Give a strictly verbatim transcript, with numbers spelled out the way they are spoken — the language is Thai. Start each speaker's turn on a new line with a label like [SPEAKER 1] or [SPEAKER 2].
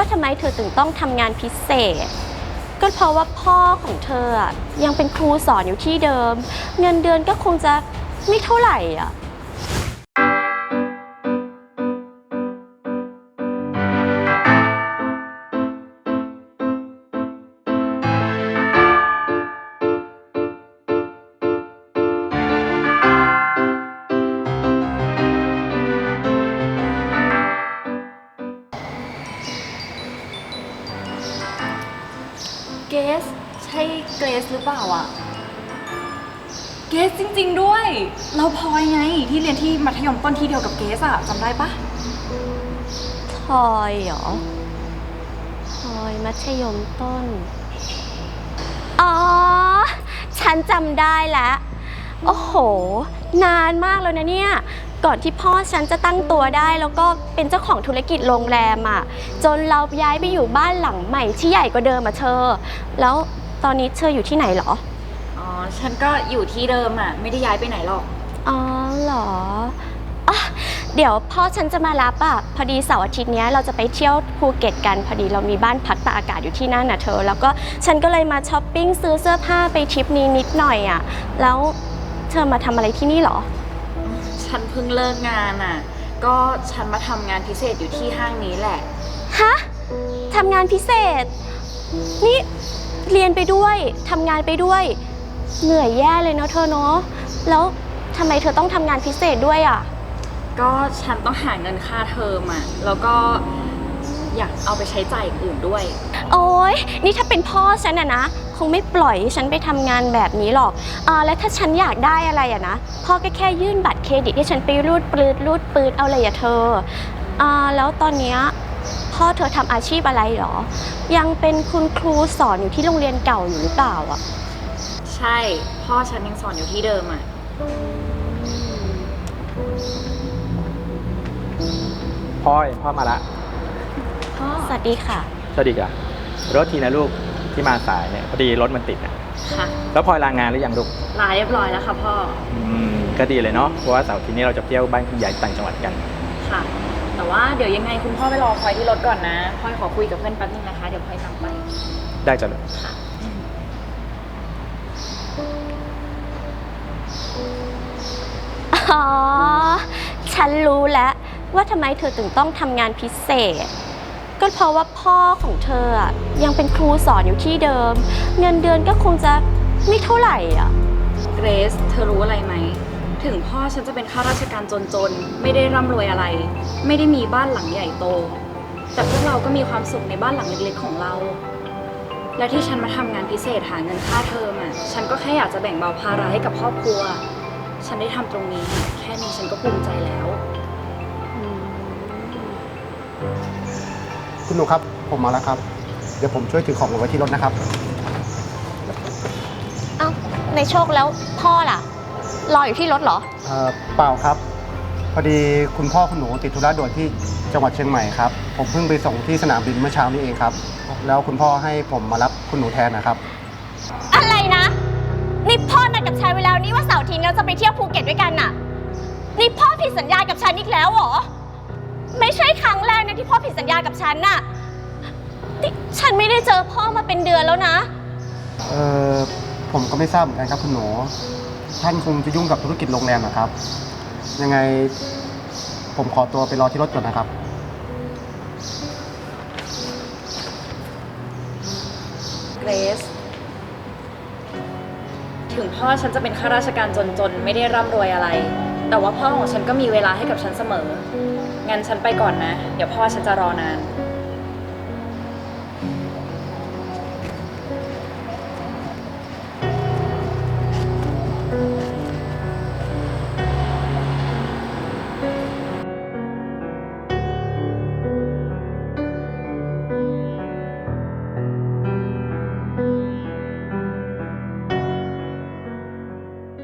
[SPEAKER 1] ว่าทำไมเธอถึงต้องทำงานพิเศษก็เพราะว่าพ่อของเธอยังเป็นครูสอนอยู่ที่เดิมเงินเดือนก็คงจะไม่เท่าไหร่อ่ะ
[SPEAKER 2] เกสใช่เกรซหรือเปล่าอะเกสจริงๆด้วยเราพลอยไงที่เรียนที่มัธยมต้นที่เดียวกับเกสอะจำได้ปะ
[SPEAKER 1] พลอยเหรอพลอยมัธยมต้นอ๋อฉันจำได้แล้วโอ้โหนานมากแล้วนะเนี่ยก่อนที่พ่อฉันจะตั้งตัวได้แล้วก็เป็นเจ้าของธุรกิจโรงแรมอ่ะจนเราย้ายไปอยู่บ้านหลังใหม่ที่ใหญ่กว่าเดิมอ่ะเธอแล้วตอนนี้เธออยู่ที่ไหนเหรอ
[SPEAKER 2] อ๋อฉันก็อยู่ที่เดิมอะไม่ได้ย้ายไปไหนหรอก
[SPEAKER 1] อ๋อเหรออ่ะเดี๋ยวพ่อฉันจะมารับอ่ะพอดีเสาร์อาทิตย์นี้เราจะไปเที่ยวภูเก็ตกันพอดีเรามีบ้านพักตากอากาศอยู่ที่นั่นน่ะเธอแล้วก็ฉันก็เลยมาช้อปปิ้งซื้อเสื้อผ้าไปทริปนี้นิดหน่อยอ่ะแล้วเธอมาทำอะไรที่นี่เหรอ
[SPEAKER 2] ฉันเพิ่งเลิกงานอ่ะก็ฉันมาทำงานพิเศษอยู่ที่ห้างนี้แหละ
[SPEAKER 1] ฮะทำงานพิเศษนี่เรียนไปด้วยทำงานไปด้วยเหนื่อยแย่เลยเนาะเธอเนาะแล้วทำไมเธอต้องทำงานพิเศษด้วยอ่ะ
[SPEAKER 2] ก็ฉันต้องหาเงินค่าเทอมอ่ะแล้วก็อยากเอาไปใช้จ่ายอื่นด้วย
[SPEAKER 1] โอ๊ยนี่ถ้าเป็นพ่อฉันอะนะคงไม่ปล่อยฉันไปทำงานแบบนี้หรอกอ่าแล้วถ้าฉันอยากได้อะไรอะนะพ่อก็แค่ยื่นบัตรเครดิตให้ฉันไปรูดปลืดรูดปืดเอาเลยอะเธออ่าแล้วตอนเนี้ยพ่อเธอทำอาชีพอะไรหรอยังเป็นคุณครูสอนอยู่ที่โรงเรียนเก่าอยู่หรือเปล่าอะ
[SPEAKER 2] ใช่พ่อฉันยังสอนอยู่ที่เดิมอะ
[SPEAKER 3] พ่อพ่อมาละ
[SPEAKER 2] พ่อ
[SPEAKER 1] สวัสดีค่ะ
[SPEAKER 3] สวัสดีค่ะรถทีนะลูกที่มาสายเนี่ยพอดีรถมันติดอ่ะ
[SPEAKER 2] ค่ะ
[SPEAKER 3] แล้วพลอยลางานหรือยังลูก
[SPEAKER 2] ลาเรียบร้อยแล้วค่ะพ่อ
[SPEAKER 3] อืมก็ดีเลยเนาะเพราะว่าเสาร์ทีนี้เราจะเที่ยวบ้านคุณยายต่างจังหวัดกัน
[SPEAKER 2] ค่ะแต่ว่าเดี๋ยวยังไงคุณพ่อไปรอพลอยที่รถก่อนนะพลอยขอคุยกับเพื่อนแป๊บนึงนะคะเดี๋ยวพลอยตามไป
[SPEAKER 3] ได้จ้ะลูก
[SPEAKER 2] ค่ะ
[SPEAKER 1] อ๋อฉันรู้แล้วว่าทำไมเธอถึงต้องทำงานพิเศษก็เพราะว่าพ่อของเธอยังเป็นครูสอนอยู่ที่เดิมเงินเดือนก็คงจะไม่เท่าไหร่อ่ะ
[SPEAKER 2] เกรซเธอรู้อะไรไหมถึงพ่อฉันจะเป็นข้าราชการจนๆไม่ได้ร่ำรวยอะไรไม่ได้มีบ้านหลังใหญ่โตแต่พวกเราก็มีความสุขในบ้านหลังเล็กๆของเราและที่ฉันมาทำงานพิเศษหาเงินค่าเทอมอ่ะฉันก็แค่อยากจะแบ่งเบาภาระให้กับครอบครัวฉันได้ทำตรงนี้แค่นี้ฉันก็ภูมิใจแล้ว
[SPEAKER 4] คุณหนูครับผมมาแล้วครับเดี๋ยวผมช่วยถือของไว้ที่รถนะครับ
[SPEAKER 1] เอ้าในโชคแล้วพ่อล่ะรออยู่ที่รถเหรอ
[SPEAKER 4] เอ่อเปล่าครับพอดีคุณพ่อคุณหนูติดธุระด่วนที่จังหวัดเชียงใหม่ครับผมเพิ่งไปส่งที่สนามบินเมื่อเช้านี้เองครับแล้วคุณพ่อให้ผมมารับคุณหนูแทนนะครับ
[SPEAKER 1] อะไรนะนี่พ่อนัดกับฉันไว้แล้วนี่ว่าเสาร์อาทิตย์เราจะไปเที่ยวภูเก็ตด้วยกันน่ะนี่พ่อผิดสัญญากับฉันอีกแล้วเหรอไม่ใช่ครั้งแรกนะที่พ่อผิดสัญญากับฉันน่ะนี่ฉันไม่ได้เจอพ่อมาเป็นเดือนแล้วนะ
[SPEAKER 4] เออผมก็ไม่ทราบเหมือนกันครับคุณหนูท่านคงจะยุ่งกับธุรกิจโรงแรมนะครับยังไงผมขอตัวไปรอที่รถก่อนนะครับ
[SPEAKER 2] เกรซถึงพ่อฉันจะเป็นข้าราชการจนๆไม่ได้ร่ำรวยอะไรแต่ว่าพ่อของฉันก็มีเวลาให้กับฉันเสมองั้นฉันไปก่อนนะเดี๋ยวพ่อฉันจะรอนาน